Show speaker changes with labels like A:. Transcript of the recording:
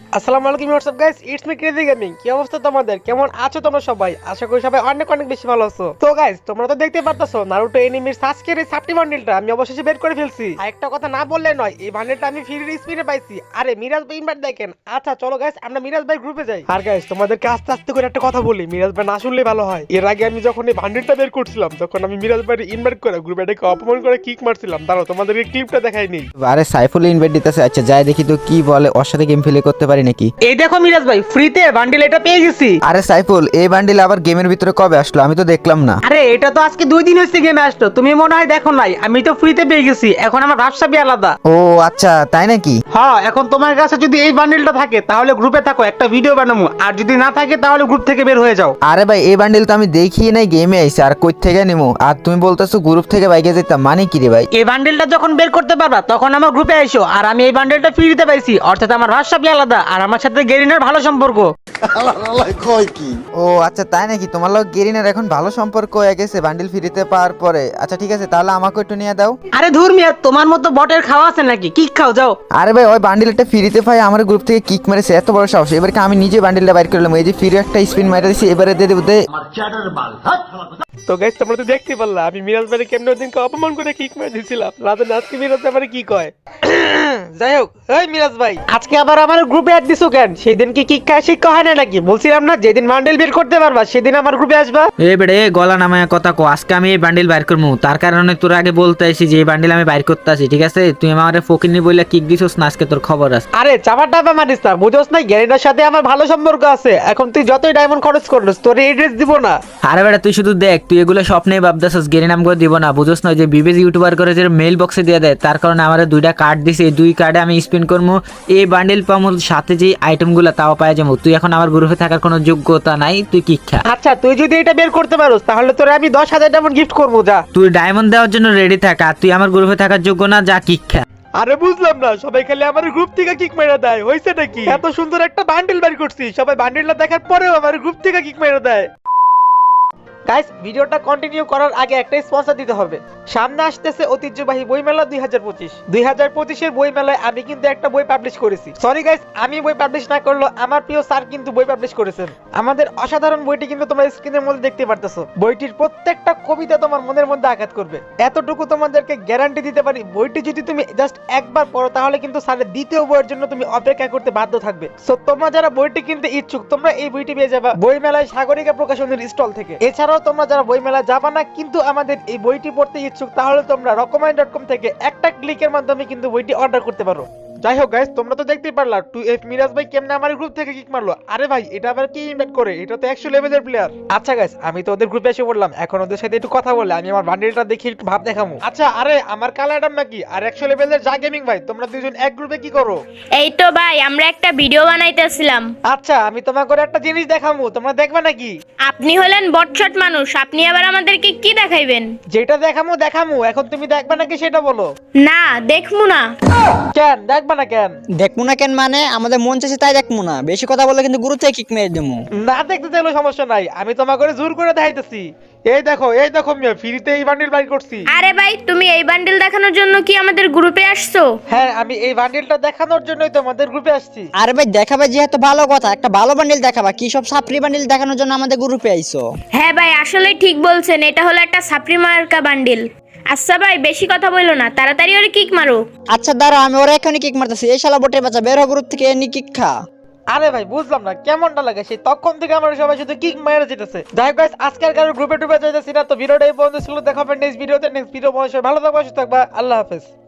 A: আসসালামু আলাইকুম what's up guys, it's me Crazy Gaming. কি অবস্থা তোমাদের? কেমন আছো তোমরা সবাই? আশা করি সবাই অনেক অনেক বেশি ভালো আছো। তো গাইস, তোমরা তো দেখতে পারতাছো নারুটো এনিমির সাসকের এই সাবটি বান্ডেলটা আমি অবশেষে বের করে ফেলছি। আর একটা কথা না বললে নয়, এই বান্ডেলটা আমি ফ্রি স্পিনে পাইছি। আরে মিরাজ ভাই ইনভাইট দেখেন। আচ্ছা চলো গাইস, আমরা মিরাজ ভাই গ্রুপে যাই। আর গাইস, তোমাদেরকে আস্তে আস্তে করে একটা কথা বলি, মিরাজ ভাই না শুনলে ভালো হয়। এর আগে আমি যখন এই বান্ডেলটা বের করছিলাম তখন আমি মিরাজ ভাইকে ইনভাইট করে গ্রুপে ডেকে অপমান করে কিক মারছিলাম। দাঁড়াও তোমাদেরকে ক্লিপটা দেখাই নেই।
B: আরে সাইফুল ইনভাইট দিতেছে। আচ্ছা যাই দেখি তো কি বলে, ওর সাথে গেম প্লে করতে পারি নাকি।
A: এই দেখো মিরাজ ভাই, ফ্রিতে বান্ডেল এটা পেয়ে গেছি।
B: আরে সাইফুল, এই বান্ডিল আবার গেমের ভিতরে কবে আসলো? আমি তো দেখলাম না।
A: আরে এটা তো আজকে 2 দিন হয়েছে গেমে আসলো, তুমি মনে হয় দেখো নাই। আমি তো ফ্রিতে পেয়ে গেছি, এখন আমার ব্যবসাবি আলাদা।
B: ও আচ্ছা তাই নাকি?
A: হ্যাঁ, এখন তোমার কাছে যদি এই বান্ডেলটা থাকে তাহলে গ্রুপে থাকো, একটা ভিডিও বানাবো। আর যদি না থাকে তাহলে গ্রুপ থেকে বের হয়ে যাও।
B: আরে ভাই, এই বান্ডিল তো আমি দেখি নাই, গেমে আইছে। আর কই থেকে নিমু? আর তুমি বলতেছো গ্রুপ থেকে বাইকে যেতাম, মানে কি রে ভাই?
A: এই বান্ডেলটা যখন বের করতে পারবা তখন আমার গ্রুপে আইসো। আর আমি এই বান্ডেলটা ফ্রিতে পাইছি, অর্থাৎ আমার ব্যবসাবি আলাদা আর আমার সাথে গেরিনার ভালো সম্পর্ক।
B: ও আচ্ছা তাই নাকি? তোমার লোক গেরিনার এখন ভালো সম্পর্ক হয়ে গেছে বান্ডিল ফ্রিতে পাওয়ার পরে। আচ্ছা ঠিক আছে, তাহলে আমাকে একটু নিয়ে দাও।
A: আরে ধুর মিয়া, তোমার মতো বটের খাওয়া আছে নাকি? কি খাও যাও।
B: আরে ভাই, ওই বান্ডিলটা ফ্রিতে পাই, আমার গ্রুপ থেকে কিক মেরেছে, এত বড় সাহস। এবারে আমি নিজে বান্ডিলটা বাইর করলাম, এই যে ফ্রি একটা স্পিন মাইরা দিছি, এবারে দিয়ে দেবো।
A: তো গাইস, তোমরা তো দেখতে পারলা আমি মিরাজ ভাইকে কেমনে ওদিনকে অপমান করে কিক মেরে দিয়েছিলাম। রাতে আজকে মিরাজ ভাই কি কয়। যাই হোক, এই মিরাজ ভাই আজকে আবার আমার গ্রুপে অ্যাড দিছো কেন? সেদিন কি কিক খায় শিক্ষা হয় না নাকি? বলছিলাম না যেদিন বান্ডেল বের করতে পারবা সেদিন আমার গ্রুপে আসবা।
C: এ বেড়ে গলা নামায় কথা কো। আজকে আমি এই বান্ডিল বাইর করবো, তার কারণে তোর আগে বলতে আসি যে এই বান্ডিল আমি বাইর করতে আসি, ঠিক আছে? তুই আমার ফকিনি বইলা কিক দিছস না, আজকে তোর খবর আছে।
A: আরে চাপা টাপা মারিস না, বুঝোস না গ্যারেন্টার সাথে আমার ভালো সম্পর্ক আছে। এখন তুই যতই ডায়মন্ড খরচ করলিস তোর এই ড্রেস দিব না।
C: আরে বেটা তুই শুধু দেখ, তুই এগুলো স্বপ্নেই ভাবতেছস, গেরি নাম করে দিব না, বুঝোস না? যে বিবেজ ইউটিউবার করে যে মেইল বক্সে দিয়ে দেয়, তার কারণে আমার 2টা কার্ড দিছে। এই 2 কার্ডে আমি স্পিন করবো, এই বান্ডিল পাবো, সাথে যে আইটেমগুলো তাও পাওয়া যাবো। তুই এখন আমার গ্রুপে থাকার কোনো যোগ্যতা নাই, তুই কিক খা।
A: আচ্ছা তুই যদি এটা বের করতে পারোস তাহলে তোরে আমি 10,000 ডায়মন্ড গিফট করবো, যা।
C: তুই ডায়মন্ড দেওয়ার জন্য রেডি থাক, আর তুই আমার গ্রুপে থাকার যোগ্য না, যা কিক খা।
A: আরে বুঝলাম না, সবাই খালি আমার গ্রুপ থেকে কিক মেরে দেয়, হইছে নাকি? এত সুন্দর একটা বান্ডেল বের করছি, সবাই বান্ডেলটা দেখার পরেও আমার গ্রুপ থেকে কিক মেরে দেয়। গাইস, ভিডিওটা কন্টিনিউ করার আগে একটা স্পন্সর দিতে হবে। সামনে আসতেছে ঐতিহ্যবাহী বইমেলা 2025। 2025 এর বইমেলায় আমি কিন্তু একটা বই পাবলিশ করেছি। সরি গাইস, আমি বই পাবলিশ না করলেও আমার প্রিয় স্যার কিন্তু বই পাবলিশ করেছেন। আমাদের অসাধারণ বইটি কিন্তু তোমরা স্ক্রিনের মধ্যে দেখতে পারতেছো। বইটির প্রত্যেকটা কবিতা তোমার মনের মধ্যে আঘাত করবে, এতটুকু তোমাদেরকে গ্যারান্টি দিতে পারি। বইটি যদি তুমি জাস্ট একবার পড়ো তাহলে কিন্তু স্যারের দ্বিতীয় বইয়ের জন্য তুমি অপেক্ষা করতে বাধ্য থাকবে। সো তোমরা যারা বইটি কিনতে ইচ্ছুক, তোমরা এই বইটি পেয়ে যাবে বইমেলায় সাগরিকা প্রকাশনের স্টল থেকে। এছাড়াও তোমরা যারা বইমেলা যাবা না কিন্তু আমাদের এই বইটি পড়তে ইচ্ছুক, তাহলে তোমরা রকমাইন.com থেকে একটা ক্লিকের মাধ্যমে কিন্তু বইটি অর্ডার করতে পারো। যাই হোক গাইস, তোমরা তো দেখতেই পারলা 2F মিরাজ ভাই কেমনে আমার গ্রুপ থেকে কিক মারলো। আরে ভাই, এটা আবার কি ইমপ্যাক্ট করে? এটা তো 100 লেভেলের প্লেয়ার। আচ্ছা গাইস, আমি তো ওদের গ্রুপে এসে পড়লাম, এখন ওদের সাথে একটু কথা বলে আমি আমার বান্ডেলটা দেখি একটু ভাব দেখামু। আচ্ছা, আরে আমার কালা অ্যাডাম নাকি আর 100 লেভেলের যা গেমিং ভাই, তোমরা দুজন এক গ্রুপে কি করো?
D: এই তো ভাই, আমরা একটা ভিডিও বানাইতেছিলাম।
A: আচ্ছা, আমি তোমাকে একটা জিনিস দেখামু, তোমরা দেখবা নাকি?
D: আপনি হলেন বটশট মানুষ, আপনি আবার আমাদেরকে কি দেখাইবেন?
A: যেটা দেখামু দেখামু, এখন তুমি দেখবা নাকি সেটা বলো।
D: না, দেখমু না।
A: কেন দেখবা না কেন?
E: দেখবো না কেন মানে, আমাদের মন চাইছে তাই দেখবো না। বেশি কথা বললে কিন্তু গুরু থেকে কিক মেরে দেবো।
A: না দেখতে চাইলেও সমস্যা নাই, আমি তোমাকে জোর করে দেখাইতেছি। এই দেখো মিয়া, ফ্রিতে এই বান্ডেল বাই করছি।
D: আরে ভাই, তুমি এই বান্ডেল দেখানোর জন্য কি আমাদের গ্রুপে আসছো?
A: হ্যাঁ, আমি এই বান্ডেলটা দেখানোর জন্যই তোমাদের গ্রুপে আসছি।
E: আরে ভাই দেখাবে যেহেতু ভালো কথা, একটা ভালো বান্ডিল দেখাবা। কি সব সাপ্রি বান্ডিল দেখানোর জন্য আমাদের গ্রুপে আইছো?
D: হ্যাঁ ভাই, আসলে ঠিক বলছেন, এটা হলো একটা সাপ্রি মার্কা বান্ডেল। আচ্ছা ভাই, বেশি কথা বললো না, তাড়াতাড়ি ওরে কিক মারো।
E: আচ্ছা দাঁড়াও, আমি ওরা এখনই কিক মারতেছি। এই শালা বটের বাচ্চা, বের হ গ্রুপ থেকে, এনি কিক খা।
A: আরে ভাই বুঝলাম না কেমনটা লাগে, সেই তখন থেকে আমরা সবাই শুধু কিক মেরে যেতেছে। যাই হোক গাইস, আজকের কারো গ্রুপে টুপে যাইতেছি না। তো ভিডিওটা এই পর্যন্ত ছিল, দেখা হবে নেক্সট ভিডিওতে। নেক্সট ভিডিও ভালো থাকবা, সুস্থ থাকবা, আল্লাহ হাফেজ।